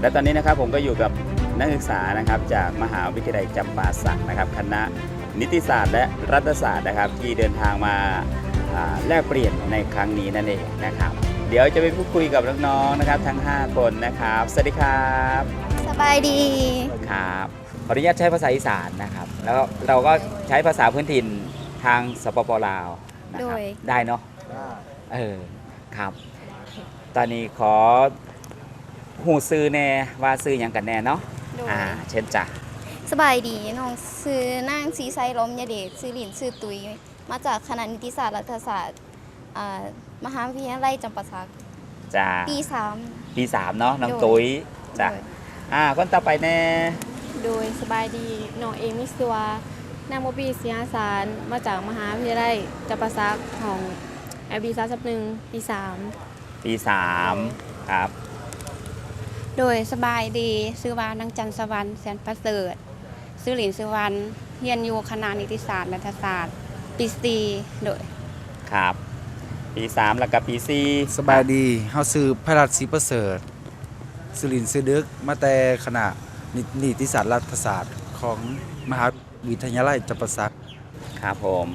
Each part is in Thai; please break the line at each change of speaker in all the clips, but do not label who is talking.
และตอนนี้นะครับผมก็อยู่กับนักศึกษานะครับจากมหาวิทยาลัยจำปาสักนะครับคณะนิติศาสตร์และรัฐศาสตร์นะครับที่เดินทางมาแลกเปลี่ยนในครั้งนี้นั่นเองนะครับเดี๋ยวจะไปพูดคุยกับน้องๆนะครับทั้ง5คนนะครับสวัสดีครับ
สบายดี
ครับขออนุญาตใช้ภาษาอีสานนะครับแล้วเราก็ใช้ภาษาพื้นถิ่นทางสปปลาวนะครับได้เนาะครับตอนนี้ขอหูซื้อแน่ว่าซื้ออย่างกันแน่เนาะเช่นจ้ะ
สบายดีน้องซื้อนางสีไซล้มยาเดชซื้อหลินซื้อตุยมาจากคณะนิติศาสตร์รัฐศาสตร์มหาวิทยาลัยจำปาสัก
จ้ะปี 3เนาะน้องตุ้ยจ้ะคนต่อไปแน่
โดยสบายดีน้องเอมิสวานางโมบีเสียสารมาจากมหาวิทยาลัยจำปาสักของLB31ปี3
ครับ
โดยสบายดีซื้อว่านางจันสวรรค์แสนประเสริฐซื้อหลินสุวรรณเรียนอยู่คณะนิติศาสตร์รัฐศาสตร์ปี4โดย
ครับปี 3แล้วก็ปี4
สบายดีเฮาซื้อพระราชศรีประเสริฐซื้อหลินซื้อดึกมาแต่คณะนิติศาสตร์รัฐศาสตร์ของมหาวิทยาลัยจำปาสัก
ครับผม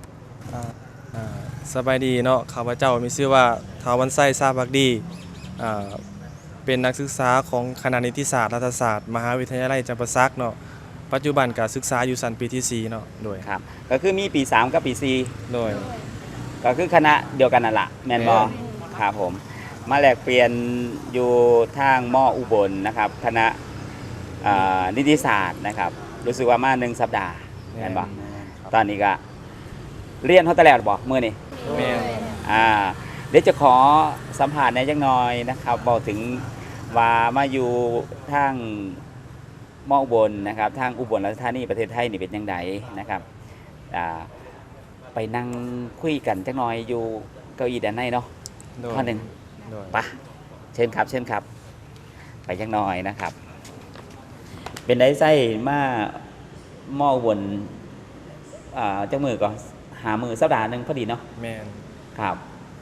สบายดีเนาะข้าพเจ้ามีชื่อว่าท้าววันไส้ซาบักดีเป็นนักศึกษาของคณะนิติศาสตร์รัฐศาสตร์มหาวิทยาลัยจำปาสักเนาะปัจจุบันการศึกษาอยู่ชั้นปีที่4เนาะโดย
ครับก็คือมีปี 3กับปี4
โดย
ก็คือคณะเดียวกันนั่นแหละแมนบอครับผมมาแลกเปลี่ยนอยู่ทางมออุบลนะครับคณะนิติศาสตร์นะครับรู้สึกว่ามา1 สัปดาห์แมนบอตอนนี้ก็เรียนเขาแต่แล้วบอกมื่อนี่เดี๋ยวจะขอสัมผัสในจังหน่อยนะครับบอกถึงว่ามาอยู่ทางมออุบลนะครับทางอุบลราชธานีประเทศไทยนี่เป็นยังไงนะครับไปนั่งคุยกันจังหน่อยอยู่เก้าอี้ด้านในเนาะข้อหนึ่งปะเชิญครับไปจังหน่อยนะครับเป็นได้ไส้มามออุบลจังมือก่อนหามือสัปดาห์หนึ่งพอดีเนาะ
แมน
ครับ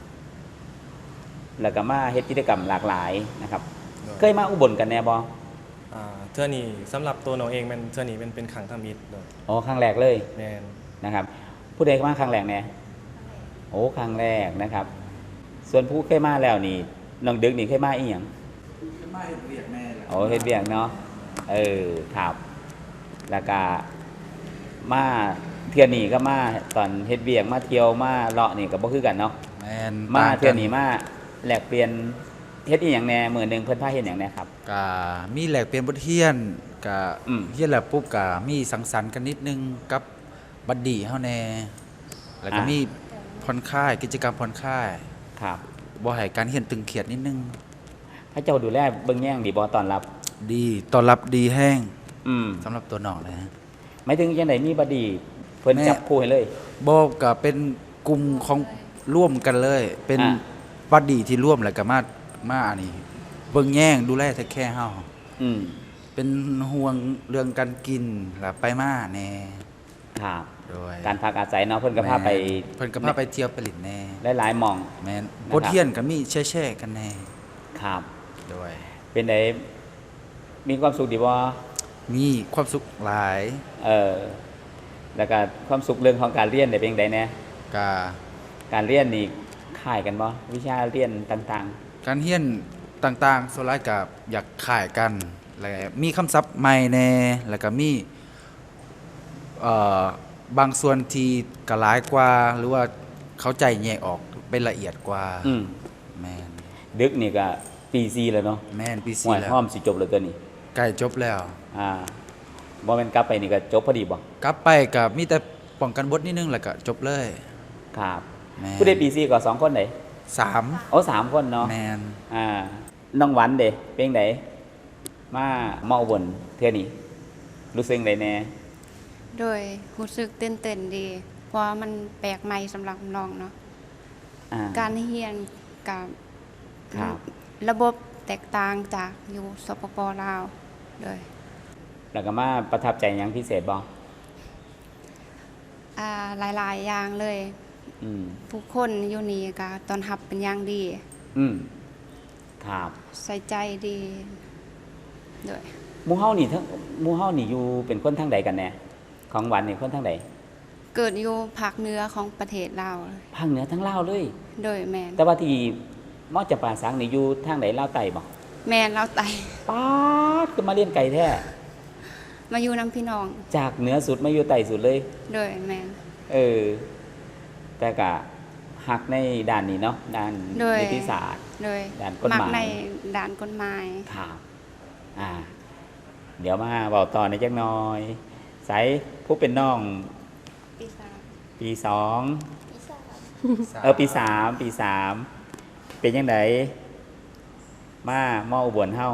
แล้วก็มาเฮ็ดกิจกรรมหลากหลายนะครับเคยมาอุบลกันแน่บ่
เทื่อนี้สำหรับตัวน้องเองมันเทื่อนี้เป็นครั้งทำอิฐ
อ๋อครั้งแรกเลย
แมน
นะครับผู้ใดมาครั้งแรกแน่โอ้ครั้งแรกนะครับส่วนผู้เคยมาแล้วนี่น้องดึกนี่เคยมาอีหยัง
เคยมาเฮ็ดเวียกแม่
โอ้เฮ็ดเวียกเนาะครับแล้วก็มาเที่ยวนี้ก็มาตอนเฮ็ดเวียกมาเที่ยวมาเลาะนี่ก็บ่คือกันเนาะ
แม่น
มาเที่ยวนี้มาแลกเปลี่ยนเฮ็ดอีหยังแหน่มื้อนึงเพิ่นพาเฮ็ดหยังแหน่ครับ
ก็มีแลกเปลี่ยนบทเรียนก็เรียนแล้วปุ๊บก็มีสังสรรค์กันนิดนึงกับบัดดี้เฮาแน่แล้วก็มีผ่อนคลายกิจกรรมผ่อนคลาย
ครับ
บ่ให้การเรียนตึงเครียดนิดนึง
พระเจ้าดูแลเบิ่งแย่งดีบ่ต้อนรับ
ดีต้อนรับดีแห้งสำหรับตัวน้องเลยฮะ
หมายถึงจังได๋มีบัดดี้เพิ่นจับคู่ให้เลย
บ่ก็เป็นกลุ่มของร่วมกันเลยเป็นบัดดี้ที่ร่วมแล้วก็มาอันนี้เบิ่งแย่งดูแลแท้แค่เฮาเป็นห่วงเรื่องการกินแล้วไปมาแน่
ครับโดยการพักอาศัยเนาะเพิ่นก็พาไป
เที่ยวไปหลินแน่
หลายๆหม่อง
แม่นบทเรียนก็มีแช่ๆกันแน่
ครับ
โดย
เป็นไดมีความสุขดีบ่
มีความสุขหลาย
แล้วก็ความสุขเรื่องของการเรียนได้เป็นจังได๋แน่การเรียนนี่คล้ายกันบ่วิชาเรียนต่าง
ๆการเรียนต่างๆส่วนหลายก็อยากคล้ายกันแล้วมีคำศัพท์ใหม่แน่แล้วก็มีบางส่วนที่กระหลายกว่าหรือว่าเข้าใจแยกออกเป็นละเอียดกว่าแม่น
ดึกนี่ก็ปี4แล้วเนาะ
แม่นปี4แล้ว
พร้อมสิจบแล้วตัวนี้
ใกล้จบแล้ว
บ่แม่นกลับไปนี่ก็จบพอดีบ่
กลับไปก็มีแต่ป้องกันบทนิดนึงแล้วก็จบเลย
ครับผู้ใดปี4ก็2คนไหน
3
โอ้3คนเนาะ
แม่น
น้องหวันเด้เป็นจังไดมาเมาวนเทื่อนี้รู้สึกจังไดแน่
โดยรู้สึกตื่นเต้นดีเพราะมันแปลกใหม่สำหรับน้องเนาะการเรียนกับระบบแตกต่างจากอยู่สปป.ลาวโดย
แล้วก็มาประทับใจหยังพิเศษบ่
หลายๆอย่างเลยผู้คนอยู่นี่ก็ต้อนรับเป็นอย่างดี
ครับ
ใส่ใจดีโดย
หมู่เฮานี่ทั้งหมู่เฮานี่อยู่เป็นคนทางใดกันแน่ของหวันนี่คนทางใด
เกิดอยู่ภาคเหนือของประเทศลาว
ภาคเหนือทั้งลาวเลย
โดยแมน
แต่ว่าที่มอจำปาสังนี่อยู่ทางใดลาวใต้บ่
แมนลาวไต
ป๊าดคือมาเรียนไกลแท้
มาอยู่น้ำพี่น้อง
จากเหนือสุดมาอยู่ใต้สุดเลย
โดยแมน
เออ แต่ก็ฮักในด้านนี้เนาะด้าน
โดย
นิติศาสตร์
โดย
ด้านกฎหมาย
กในด่านกฎหมาย
ครับเดี๋ยวมาเว้าต่อในจักหน่อยไสผู้เป็นน้อง
ปีศาจ
ปีสอง
อีสาน
ปีสามเป็นยังไงมามออุบลเฮา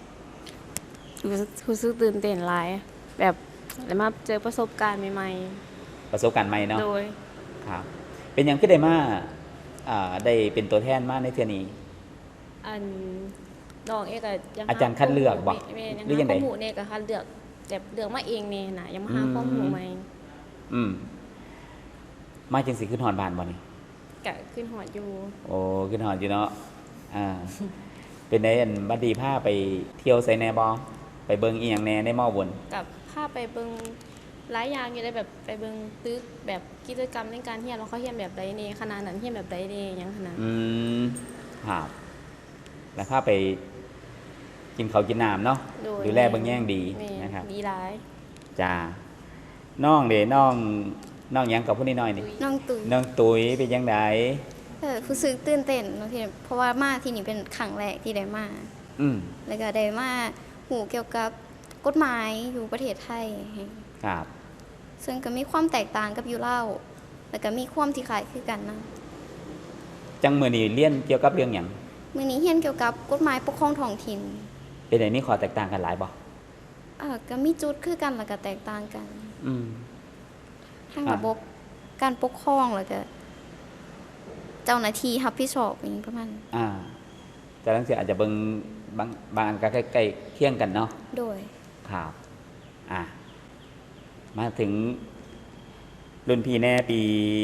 รู้สึกตื่นเต้นหลายแบบแล้วมาเจอประสบการณ์ใหม่
ประสบการณ์ใหม่เนาะ
ๆโดย
ครับ เป็นหยังคือได้มาได้เป็นตัวแทนมาในเทื่อนี้
อันน้องเอกยัง
อาจารย์คัดเลือกบ่
แม่ยัง
หรือยังไง
ข้อมูลเนี่ยก็คัดเลือกแบบเลือกมาเองเนี่ยนะยังมาหาข้อมูลใหม่
อืมมาจังสิขึ้นฮอดบ้านบ่นี่
กะขึ้นหอดอยู่
โอ้ขึ้นฮอดอยู่เนาะเป็นไดอันบัดดีพาไปเที่ยวไสแหน่บ่ไปเบิ่งอีหยังแหน่ในมออุบล
กับพาไปเบิงหลายอย่างอยู่ได้แบบไปเบิงตึกแบบกิจกรรมในการเรียนว่าเขาเรียนแบบใดเนี่ยขนาดนั้นเรียนแบบใดเนี่ยยังขนาด
ครับแล้วพาไปกินข้าวกินน้ำเนาะ
โดย
ดูแลเบิ่งแย่งดี
แม่
นะครับ
ดีร้าย
จ้าน้องเด้น้องหยังกับผู้นี้น้อยนี่
น้องตุ๋ย
น้องตุ๋ยเป็นยังไง
รู้สึกตื่นเต้นเนาะที่เพราะว่ามาที่นี่เป็นครั้งแรกที่ได้มา
อืม
แล้วก็ได้มาหูเกี่ยวกับกฎหมายอยู่ประเทศไทย
ครับ
ซึ่งก็มีความแตกต่างกับอยู่เล่าวแล้วก็มีความที่คล้ายคือกันนะ
จังมือนี้เรียนเกี่ยวกับเรื่องหยัง
มื้อนี้เรียนเกี่ยวกับกฎหมายปกครองท้องถิ่น
เป็นไดมีข้อแตกต่างกันหลายบ่
ก็มีจุดคือกันแล้วก็แตกต่างกัน
อืม
ทั้งระบบการปกครองแล้วก็เจ้าหน้าที่รับผิดชอบอย่างนี้ประมาณนั้น
แต่ลังเสียอาจจะเบิ่งบางอันก็ใกล้ๆเคียงกันเนาะ
โดย
ครับมาถึงรุ่นพี่แน่ปี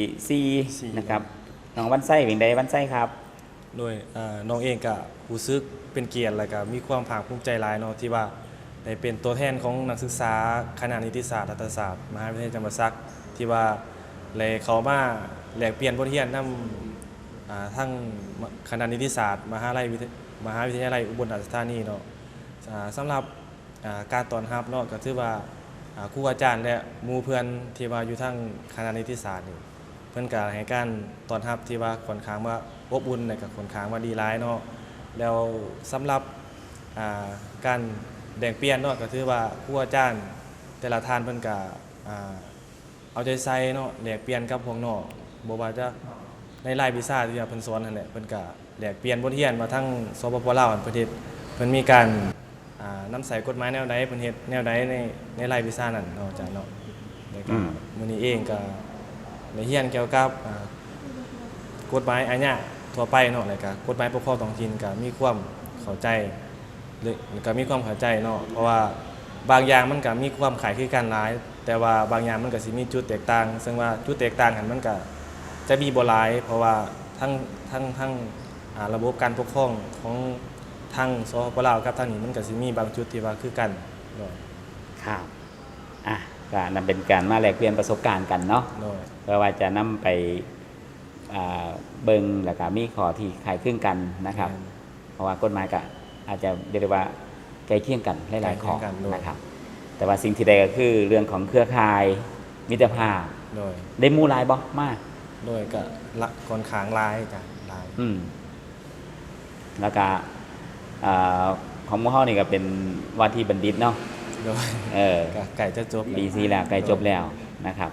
4นะครับน้องวันไส้เป็นไดวันไส้ครับ
โดยน้องเองก็รู้สึกเป็นเกียรติและก็มีความภาคภูมิใจหลายเนาะที่ว่าได้เป็นตัวแทนของนักศึกษาคณะนิติศาสตร์รัฐศาสตร์มหาวิทยาลัยจำปาสักที่ว่าเลยเขามาแลกเปลี่ยนบทเรียนนำทั้งคณะนิติศาสตร์มหาวิทยาลัยอุบลราชธานีเนาะสำหรับการต้อนรับเนาะก็ถือว่าครูอาจารย์และหมู่เพื่อนที่ว่าอยู่ทั้งคณะนิติศาสตร์นี่เพิ่นก็ให้การต้อนรับที่ว่าค่อนข้างว่าอบอุ่นและก็ค่อนข้างว่าดีหลายเนาะแล้วสำหรับการแบ่งเปลี่ยนเนาะก็ถือว่าครูอาจารย์แต่ละท่านเพิ่นก็เอาใจใส่เนาะแลกเปลี่ยนกับพวกน้องบ่ว่าจะในรายวิชาที่ว่าเพิ่นสอนนั่นแหละเพิ่นก็แลกเปลี่ยนบทเรียนมาทั้งสปปลาวประเทศเพิ่นมีการนำใส่กฎหมายแนวใดเพิ่นเฮ็ดแนวใดในรายวิชานั้นเนาะอาจารย์เนาะแล้วก็มื้อนี้เองก็ได้เรียนเกี่ยวกับกฎหมายอาญาทั่วไปเนาะแล้วก็กฎหมายปกครองท้องถิ่นก็มีความเข้าใจหรือก็มีความเข้าใจเนาะเพราะว่าบางอย่างมันก็มีความคล้ายคลึงกันหลายแต่ว่าบางอย่างมันก็สิมีจุดแตกต่างซึ่งว่าจุดแตกต่างกันมันก็จะมีบ่หลายเพราะว่าทั้งระบบการปกครองของทางสปปลาวกับทางนี้มันก็สิมีบางจุดที่ว่าคือกันเนาะ
ครับก็นำเป็นการมาแลกเปลี่ยนประสบการณ์กันเนาะ
เนาะ
เพื่อว่าจะนำไปเบิ่งแล้วก็มีข้อที่คล้ายคลึงกันนะครับ เพราะว่ากฎหมายก็อาจจะเรียกได้ว่าใกล้เคียงกันหลายๆข้อนะครับ แต่ว่าสิ่งที่ใดก็คือเรื่องของเครือข่ายมิตรภาพ
โดย
ได้หมู่หลายบ่มาก
โดยก็ละค่อนข้างหลายจ้ะหลาย
แล้วก็ของหมู่เฮานี่ก็เป็นว่าที่บัณฑิตเนาะ
โดย ก็ไก่จะจบ
ปีซีแล้วใกล้จบแล้วนะครับ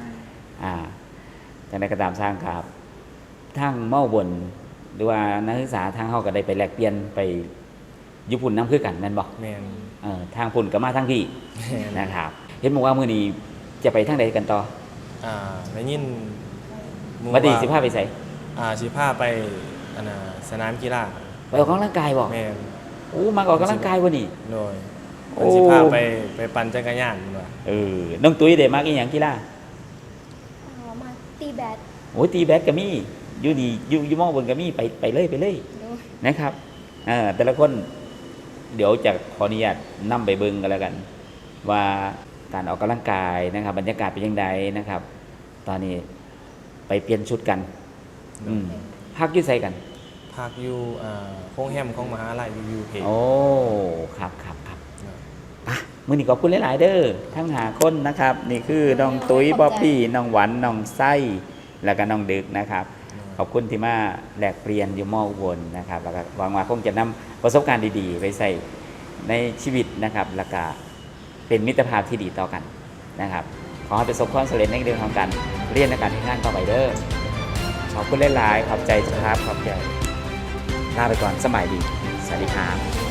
จังได๋ก็ตามสร้างครับทางเมาบนหรือว่านักศึกษาทางเฮาก็ได้ไปแลกเปลี่ยนไปญี่ปุ่นนำคือกันแม่นบ่
แม่น
ทางพุ่นก็มาทางพี่
แม่น
นะครับเห็นบอกว่ามื้อนี้จะไปทางใดกันต่อ
ได้ยินหมู่
บัดนี้
ว่า
สิพาไปไส
สิพาไปอันน่ะสนามกีฬา
ไปออกกำลังกายบ่
แม่น
โอ้มาออกกำลังกายบ่นี่
โดย
โอ้
มันสิพาไปปั่นจักรยานพุ่นว่า
น้องตุ้ยได้มักอีหยังกีฬา
มาตีแบด
โอ้ยตีแบดก็มีอยู่นี่อยู่มองบนก็มีไปเลย
โดย
นะครับแต่ละคนเดี๋ยวจะขออนุญาตนำไปเบิ่งกันแล้วกัน ว่าการออกกำลังกายนะครับ บรรยากาศเป็นยังไงนะครับ ตอนนี้ไปเปลี่ยนชุดกันพักอยุ่ใส่กัน
พักอยู่โรงแรมของมหาลัยวิวเพจ
โอ้ครับอ่ะมื้อนี้ขอบคุณหลายๆเด้อทั้งหาคนนะครับ นี่คือน้องตุ้ยบ๊อบบี้น้องหวันน้องไส้แล้วก็น้องดึกนะครับ ขอบคุณที่มาแลกเปลี่ยนอยู่มออุบลนะครับแล้วก็หวังว่าคงจะนำประสบการณ์ดีๆ ไปใส่ในชีวิตนะครับ แล้วก็เป็นมิตรภาพที่ดีต่อกันนะครับ ขอให้ประสบความสำเร็จในเรื่องของการเรียนและการทำงานต่อไปเด้อขอบคุณหลายๆขอบใจครับขอบใจลาไปก่อนสมัยดีสวัสดีครับ